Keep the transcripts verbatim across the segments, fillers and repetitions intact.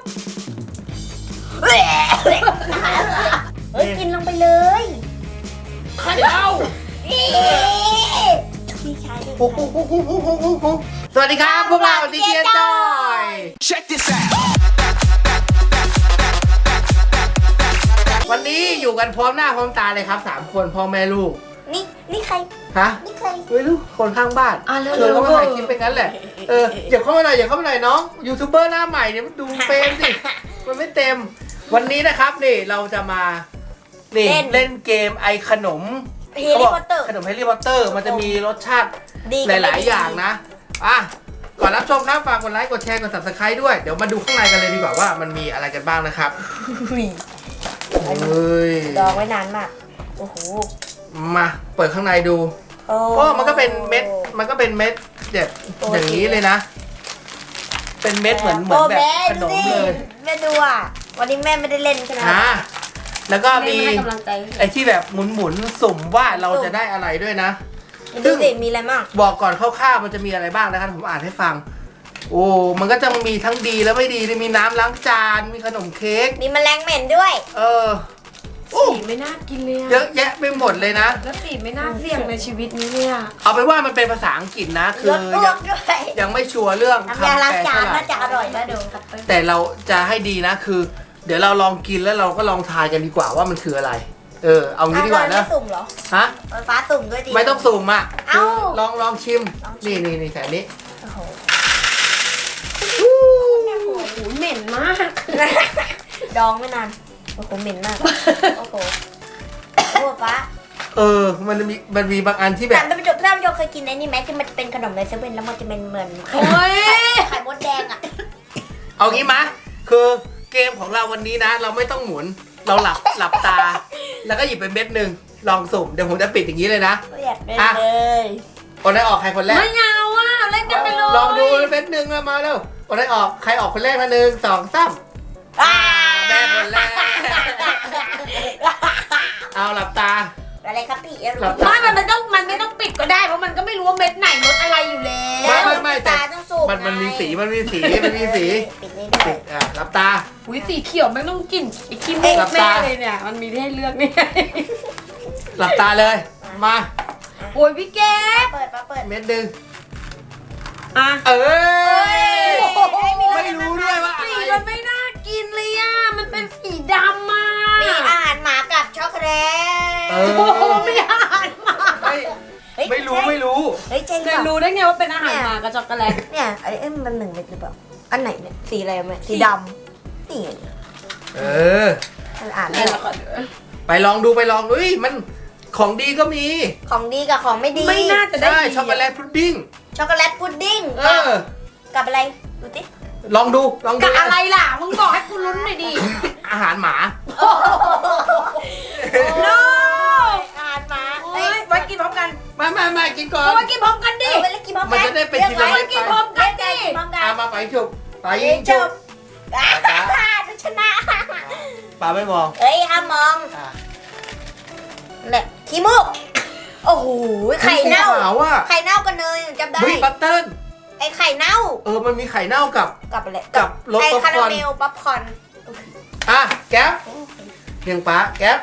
เฮ้ยกินลงไปเลยไข่เน่าพี่ชายด้วยสวัสดีครับพวกเราดีเจจอย Check this out วันนี้อยู่กันพร้อมหน้าพร้อมตาเลยครับสามคนพ่อแม่ลูกนี่นี่ใครฮะนี่ใครไม่รู้คนข้างบ้านอ่ะเร็วเธอก็มาถ่ายคลิปเป็นงั้นแหละเอออย่าเข้ามาหน่อยอย่าเข้ามาหน่อยน้องยูทูบเบอร์หน้าใหม่เนี่ยมันดูเฟรมสิมันไม่เต็มวันนี้นะครับนี่เราจะมานี่เล่นเกมไอขนมเฮลิคอปเตอร์ขนมแฮร์รี่พอตเตอร์มันจะมีรสชาติดีหลาย ๆ อย่างนะอ่ะก่อนรับชมครับฝากกดไลค์กดแชร์กด ซับสไครบ์ ด้วยเดี๋ยวมาดูข้างในกันเลยดีกว่าว่ามันมีอะไรกันบ้างนะครับเฮ้ยดองไว้นานมากโอ้โหมาเปิดข้างในดูโอ้ก็มันก็เป็นเม็ดมันก็เป็นเม็ดแบบอย่างนี้เลยนะ เป็นเม็ดเหมือนเหมือนแบบขนมเลยแม่ดูอ่ะวันนี้แม่ไม่ได้เล่นใช่ไหมอ่ะแล้วก็มีแม่ให้กำลังใจไอ้ที่แบบหมุนๆสุ่มว่าเราจะได้อะไรด้วยนะดูสิมีอะไรบ้างบอกก่อนคร่าวๆมันจะมีอะไรบ้างนะครับผมอ่านให้ฟังโอ้มันก็จะมีทั้งดีและไม่ดีมีน้ำล้างจานมีขนมเค้กมีแมลงเหม็นด้วยเออโอ้สีไม่น่ากินเลยเยอะอะแยะไปหมดเลยนะแล้วสีไม่น่าเสี่ยงในชีวิตนี้เนี่ยเอาไปนว่ามันเป็นภาษาอังกฤษนะ คืรอสอ้วยักงด้วยยังไม่ชัวร์เรื่องน้ำยาคำล้างแปลจานเท่าไหร่น่าจะอร่อยนะดูแต่เราจะให้ดีนะคือ เดี๋ยวเราลองกินแล้วเราก็ลองทายกันดีกว่าว่ามันคืออะไร เออเอางี้ดีกว่าไม่นะสุ่มเหรอฮะไฟฟ้าสุ่มด้วยดีไม่ต้องสุ่มอ่ะเอ้าคือลองลองชิมลองชินี่มนี่นี่แค่นี้โอ้โหโอ้โหเหม็นมากดองไม่นานโอ้โหเหม็นมากโอ้โหโอ้ฟ้าเออมันมีมันมีบางอันที่แบแต่บไม่จบท่านผู้ชมเคยกินไอ้นี่ไหมที่มันเป็นขนมในเซเว่นแล้วมันจะเป็นเหมือนไข่โอ้ยไข่มดแดงอ่ะเอางี้มะคือเกมของเราวันนี้นะ เราไม่ต้องหมุนเราหลับหลับตา แล้วก็หยิบเป็นเม็ดหนึ่งลองสุ่มเดี๋ยวผมจะปิดอย่างนี้เลยนะไม่อยากเล่นอ่ะเลยคนได้ออกใครคนแรกไม่เอาอ่ะเล่นกันไปเลยลองดูเม็ดหนึ่งแล้วมาเร็วคนได้ออกใครออกคนแรกนะหนึ่งสองสามอ่าแม่คนแรก เอาหลับตาอะไรครับพี่หลับไม่มันไม่ต้องมันไม่ต้องปิดก็ได้เพราะมันก็ไม่รู้ว่าเม็ดไหนรสอะไรอยู่แล้ไม่วไม่ไม่แต่ตาต้องสูบมันมันมีสีมันมีสีมันมีสีปิดนี่ด้วปิยดอ่ะหลับตาอุ้ยสีเขียวไม่ต้องกินไอ้ขี้มูหลักบแน่ตาเลยเนี่ยมันมีให้เลือกนี่หลับตาเลยมาโอ้ยพี่แก๊ปเปิดมาเปิดเม็ดหนึ่งอ่ะเอ้ยไม่ไม่รู้ด้วยว่าอะสีไรมันไม่น่ากินเลยอ่ะมันเป็นสีดำอ่ะมีอาหารหมากับช็อกโกแลเอตโอ้โหอไม่อ่านมาไม่เฮ้ยไม่รู้ไม่รู้เฮ้ยเจนจะรู้ได้ไงว่าเป็นอาหารหมากับช็อกโกแลตเนี่ยอันนี้เอ้ยมันหนึ่งเม็ดหรือเปล่าอันไหนเนี่ยสีอะไรไหมสีดำนี่ไงเออมันอ่านเนี่ไม่ยอแล้อวกก็ไปลองดูไปลองดูเฮ้ยมันของดีก็มีของดีกับของไม่ดีไม่น่าจะได้ใช่ดีช็อกโกแลตพุดดิ้งช็อกโกแลตพุดดิ้งเออกับอะไรดูสิลองดูลองดูกับอะไรล่ะมึงบอกให้กูลุ้นหน่อยดิอาหารหมาโนอาหารหมาโอ้เฮ้ยยไว้กินพร้อมกันไม่ไม่ไม่กินก่อนเอาไว้กินพร้อมกันเอดิอไปเล่นกินพร้อมกันมันจะได้เป็นทีละเรียกเม็ดกินพร้อมกันเรียกกินพร้อมกันเอามาไปฉุบไปยิยิงงฉุจบบอ่าดูชนะปาไม่มองเฮ้ยห้ามมองอ่ะแหละขี้มูกโอ้โหไข่เน่าขาวอ่ะไข่เน่ากันเลยจำได้เฮ้ยบัตเติ้ลไอไข่เน่าเออมันมีไข่เน่ากับกับอะไรกับรสไอป๊อปคาคราอร์นเมลป๊อปคอร์นอ่ะแก๊ปเพียงป้าแก๊ป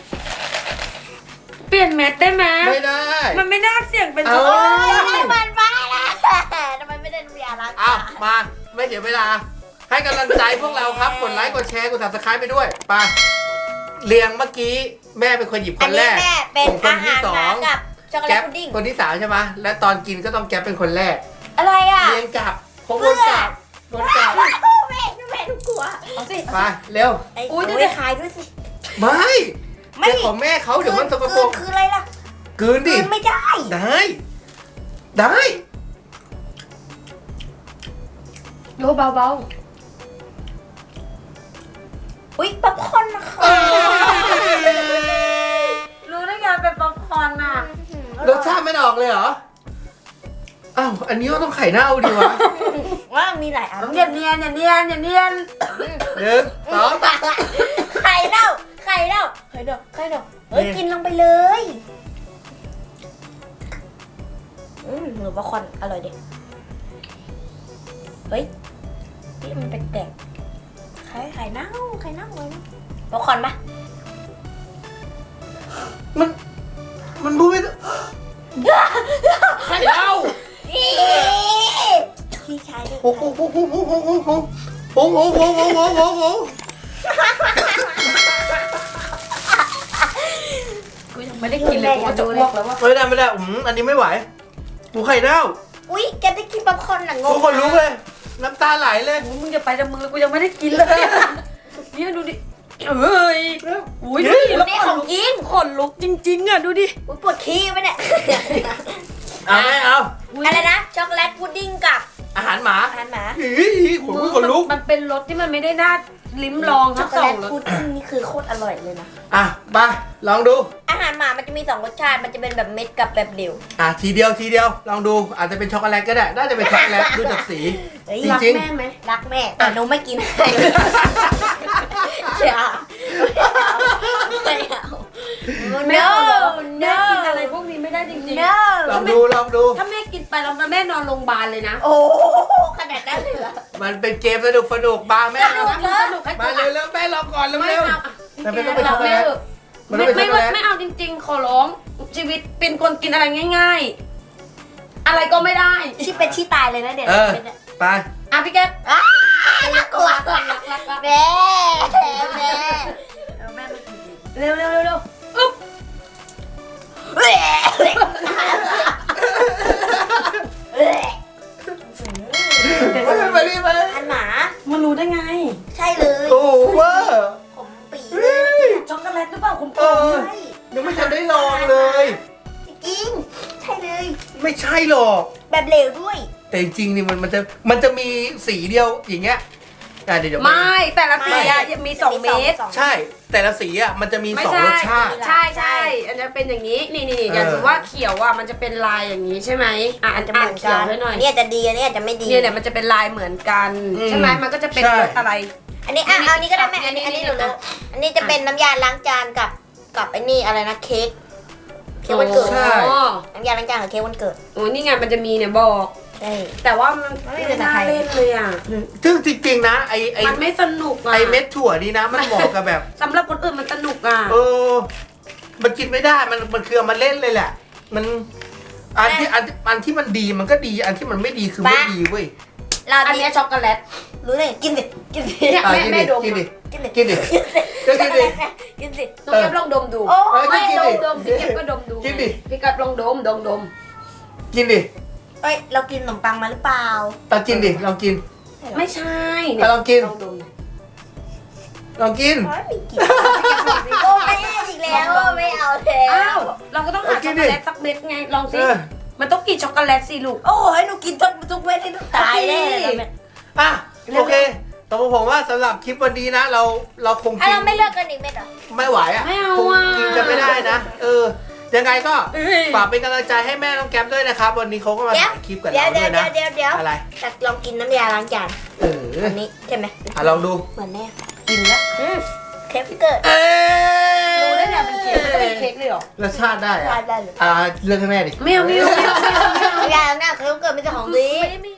เปลี่ยนเม็ดได้ไหมไม่ได้มันไม่น่าเสี่ยงเป็นเอาช็อกโกโอ้แลยตได้เหมือนป้าละทำไมไม่ได้น้ำยาล้างอ้าวจานมาไม่เสียเวลา ให้กำลังใจพวกเราครับกดไลค์กดแชร์กด ซับสไครบ์ ไปด้วยไปเรียงเมื่อกี้แม่เป็นคนหยิบคอันนแรนี้กแม่เป็นผมคนอาที่หารสอหมาง กับช็อกโกแลแก๊ตปพุดดิ้งคนที่สามใช่ไหมและตอนกินก็ต้องแก๊ปเป็นคนแรกอะไรอ่ะเรียงกลับคงวนกลับวนกลับแม่แม่ทุกกลัวเอาสิไปเร็วไอ้อุ๊ยโอ้เดี๋ยยวขายด้วยสิไม่ไม่เจ้าของแม่เขาเดี๋ยวมันสกปรกคือคืออะไรล่ะกลืนดิคือไม่ได้ได้ ได้โลเบาอุ้ยป๊อปคอร์นนะคะๆรู้ได้ไงเป็นป๊อปคอร์นอ่ะรสชาติไม่ออกเลยเหรออ้าวอันนี้ก็ต้องไข่เน่าดีวะว่ามีหลายอันอย่าเนียนอย่าเนียนอย่าเนียนหนึ่งสองไข่เน่าไข่เน่าไข่เน่าไข่เน่าเฮ้ยนี่กินลงไปเลยอืมหนูป๊อปคอร์นอร่อยดิเฮ้ยนี่มันแปลกป๊อปคอร์นปะมันมันพูดไม่ได้ใครเล่าพี่ชายดิโอ้โหโอ้โหโอ้โหโอ้โหโอ้โหโอ้โหโอ้โหโอ้โหโอ้โหกูยังไม่ได้กินเลยกูก็จะอ้วกแล้วว่าไม่ได้ไม่ได้อืมอันนี้ไม่ไหวหมูไข่เน่าอุ้ยแกได้กินป๊อปคอร์นหนังงทุกคนลุกเลย น้ำตาไหลเลยมึงจะไปแต่มึงเลยกูยังไม่ได้กินเลยเนี่ยดูดิเอ้ยอุ้ยดูดิแล้วนี่ขขนองลุกกินขนลุกจริงๆอ่ะดูดิอุ้ยปวดขี้ไปเนี่ยเอาไม่เอาอะไรนะช็อกโกแลตพุดดิ้งกับอาหารหมาอาหารหมาอีขนลุกขนลุกมันเป็นรสที่มันไม่ได้น่าลิ้มลองช็ทั้อกงโกสแลองตรสพุดดิ้งนี่คือโคตรอร่อยเลยนะอ่ะไปลองดูอาหารหมามันจะมีสองรสชาติ มันจะเป็นแบบเม็ดกับแบบเดี่ยวอ่ะทีเดียวทีเดียวลองดูอาจจะเป็นช็อกโกแลตก็ได้น่าจะเป็นช็อกโกแลตดูจากสีเฮ้ยจรักริงแม่ไหมรักแม่แต่หนูไม่กินให้อย่าไม่เอาแม่ no แม่ no กินอะไรพวกนี้ไม่ได้จริง no ลองดูลองดูๆถ้าแม่กินไปแล้วแม่นอนโรงพยาบาลเลยนะโอ้ขนาดนั้นเลยเหรอมันเป็นเกมสนุกสนุกบาแม่สนุกนะสนุกให้มากูเร็วๆแม่ลองก่อนเร็วไม่เร็วเอาแต่ไม่ต้องเป็นช็อกโกแลต มันต้ไม่องเป็นช็ไม่อกโกแลตไม่เอาจริงๆ ขอร้องชีวิตเป็นคนกินอะไรง่าย ๆ อะไรก็ไม่ได้ที่เป็นที่ตายเลยนะเดี๋ยวเออเป็นเนี่ยไปอ่ะพี่แก๊ปอ้าน่ากลัวรักรักรักรักแม่แม่เออแม่ไม่กินดีเร็วเร็วเร็วเร็วอึ๊บเอ้ยไปไปรีบไปอันหมามันรู้ได้ไงใช่เลยโอ้เวอร์ผมปีเลยช็อกโกแลตหรือเปล่าคุณเอพ่ออใช่ยังไม่ทันได้ลองเลยจริงใช่เลยไม่ใช่หรอกแบบเหลวด้วยแต่จริงๆนี่มันมันจะมันจะมีสีเดียวอย่างเงี้ยอ่ะเดี๋ยวเดี๋ยวไม่แต่ละสีอะไม่มีสองเม็ดใช่ แต่ละสีอ่ะมันจะมีไม่สองใช่รสชาติใช่ใช่อันนี้เป็นอย่างนี้นี่นี่อย่างเออสมมติว่าเขียวอ่ะมันจะเป็นลายอย่างนี้ใช่ไหมอ่ะอันจะอ่าเหนมือนเขีกัยวน ไว้หน่อยเนี่ยจะดีอันนี้อาจจะไม่ดีเนี่ยเนี่ยมันจะเป็นลายเหมือนกันอืมใช่ไหมมันก็จะเป็นใช่รสอะไรอันนี้อ่ะเอาอันนี้ก็ได้แม่อัอันนนี้นี้อันนี้อัหนนูนี้รู้อันนี้จะเป็นน้ำยาล้างจานกับกับไอ้นี่อะไรนะเค้กเค้กวันเกิดใช่อ๋อน้ำยาล้างจานกับเค้กวันเกิดโอ้ยนี่ไงมันจะมีเนี่ยบอกใช่แต่ว่ามันไม่ไม่เป็นน่าไรเล่นเลยอ่ะซึ่งจริงๆนะไอไอมันไม่สนุกอ่ะไอเม็ดถั่วนี่นะมันเหมาะกับแบบสำหรับคนอื่นมันสนุกอ่ะเออ มันกินไม่ได้ มันมันคือเอามาเล่นเลยแหละ มัน อันที่อันอันที่มันดีมันก็ดี อันที่มันไม่ดีคือไม่ดีเว้ยเราอันดีเนี้ยช็อกโกแลตรู้เลยกินดิกินดิเนี่ยอ่ะแม่กินแม่ดิดมกินดิกินดิกินดิ ก็กินดิกินดิน้องแก๊ปลองดมดูโอ้เอ้ยไม่กินดดิมดมพี่แก๊ปก็ดมดูกินดิพี่แก๊ปลองดมดมดมกินดิเอ้ยเรากินขนมปังมาหรือเปล่าลองกินดิ ลองกินไม่ใช่อ่ะลองกินลองดมลองกินโอ้ยไม่กินโอ้ไม่เอาอีกแล้วไม่เอาแล้อ้าว วเราก็ต้องหาเอากิช็อน กดิโกแลตสักเม็ดไงลองสิเออมันต้องกินช็อกโกแลตสิลูกโอ้ยหนูกินทุกทุกเม็ดให้หนูตายแน่เลยตอนเนี้ยอ่ะเร็วโอเคแต่ผมว่าสำหรับคลิปวันนี้นะ เรา เราคงอ่ะกินเราไม่เลิกกันอีกเม็ดเหรอไม่ไหวอ่ะไม่เอาคงอ่ะกินกันไม่ได้นะ เออ ยังไงก็เอ้ยฝากเป็นกำลังใจให้แม่น้องแก๊ปด้วยนะครับ วันนี้เขาก็มาเดี๋ยวถ่ายคลิปกับเดี๋ยเราวเดี๋ด้ยววยนะเดี๋ยวเดี๋ยวอะไรแต่ลองกินน้ำยาล้างจานเอออันนี้ใช่ไหมอ่ะลองดูเหมือนแน่กินแล้วอืมเค้กเกิดเอ้ยรู้ได้ไงเป็นเค้กมันจะเป็นเค้กเลยเหรอรสชาติได้ได้อะได้เลยอ่าเลือกให้แม่ดิไม่เอาไม่เอาไม่เอาไม่เอาน้ำยาล้างหน้าเค้กเกิดไม่ใช่ของดีไม่ได้ไม่